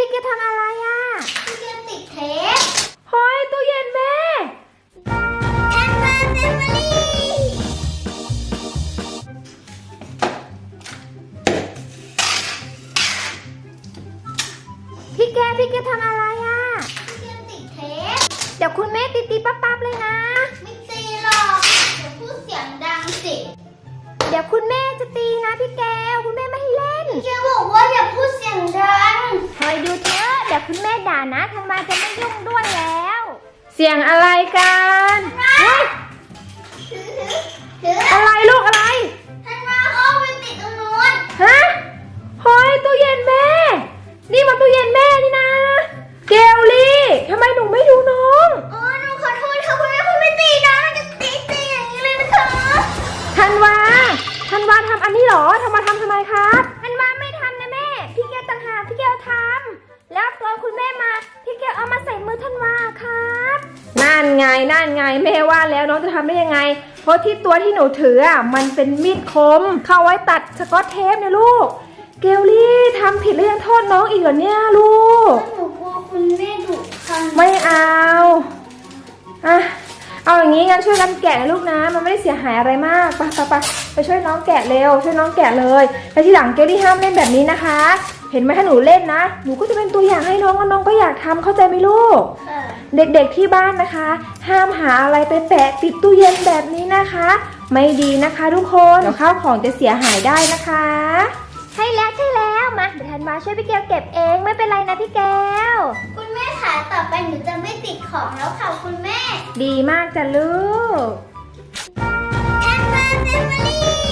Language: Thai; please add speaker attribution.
Speaker 1: พี่เกทำอะไรอ่ะ
Speaker 2: พี่เกติดเทป
Speaker 1: เฮ้ยตู้เย็นแม่
Speaker 2: แอนมาแฟมิลี่
Speaker 1: พี่เกทำอะไรอ่ะ
Speaker 2: พี่เกติดเทป
Speaker 1: เดี๋ยวคุณแม่ตีปั๊บเลยนะ
Speaker 2: ไม่ตีหรอกเดี๋ยวพูดเสียงดังสิ
Speaker 1: เดี๋ยวคุณแม่จะตีนะพี่แก้วคุณแม่ไม่ให้เล่น
Speaker 2: พี่เกบอกว่าอย่าพูดเสียงดัง
Speaker 1: คอยดูเถอะเดี๋ยวคุณแม่ด่านะธันวาจะไม่ยุ่งด้วยแล้ว เสียงอะไรกันอะไรลูกอะไร
Speaker 2: ท่านว่าเขาไปติดตรงนู้น
Speaker 1: ฮะเฮ้ยตู้เย็นแม่นี่มันตู้เย็นแม่นี่นะเกลลี่ทำไมหนูไม่ดูน้อง
Speaker 2: อ๋อหนูขอโทษค่ะคุณแม่คุณไม่ตีนะจะตีอย่างนี้เลยนะคะ
Speaker 1: ธันวาทำอันนี้เหรอธันวาทำไมครับธันวาไม่ทำนะแม่พี่เกลต่างหากพี่เกลทำแล้วตอนคุณแม่มาพี่เกลเอามาใส่มือธันวาครับนั่นไงแม่ว่าแล้วน้องจะทำได้ยังไงเพราะที่ตัวที่หนูถืออ่ะมันเป็นมีดคมเข้าไว้ตัดสกอตเทปนะลูกเกลลี่ทำผิดแล้วยังโทษน้องอีกเหรอเนี่ยลูก
Speaker 2: หนูกลัวคุณแม่ดุค่ะ
Speaker 1: ไม่เอาเอาอย่างนี้งั้นช่วยกันแกะนะลูกนะมันไม่ได้เสียหายอะไรมากไปช่วยน้องแกะเร็วช่วยน้องแกะเลยแล้วทีหลังเกลลี่ห้ามเล่นแบบนี้นะคะเห็นไหมถ้าหนูเล่นนะหนูก็จะเป็นตัวอย่างให้น้องแล้วน้องก็อยากทำเข้าใจไหมลูกเด็กๆที่บ้านนะคะห้ามหาอะไรไปแปะติดตู้เย็นแบบนี้นะคะไม่ดีนะคะทุกคนเดี๋ยวข้าวของจะเสียหายได้นะคะใช่แล้วมาเดี๋ยวธันวาช่วยพี่แก้วเก็บเองไม่เป็นไรนะพี่แก้ว
Speaker 2: คุณแม่ค่ะต่อไปหนูจะไม่ติดของแล้วค่ะคุณแม่
Speaker 1: ดีมากจ้ะลูก
Speaker 2: แอนมาแฟมิลี่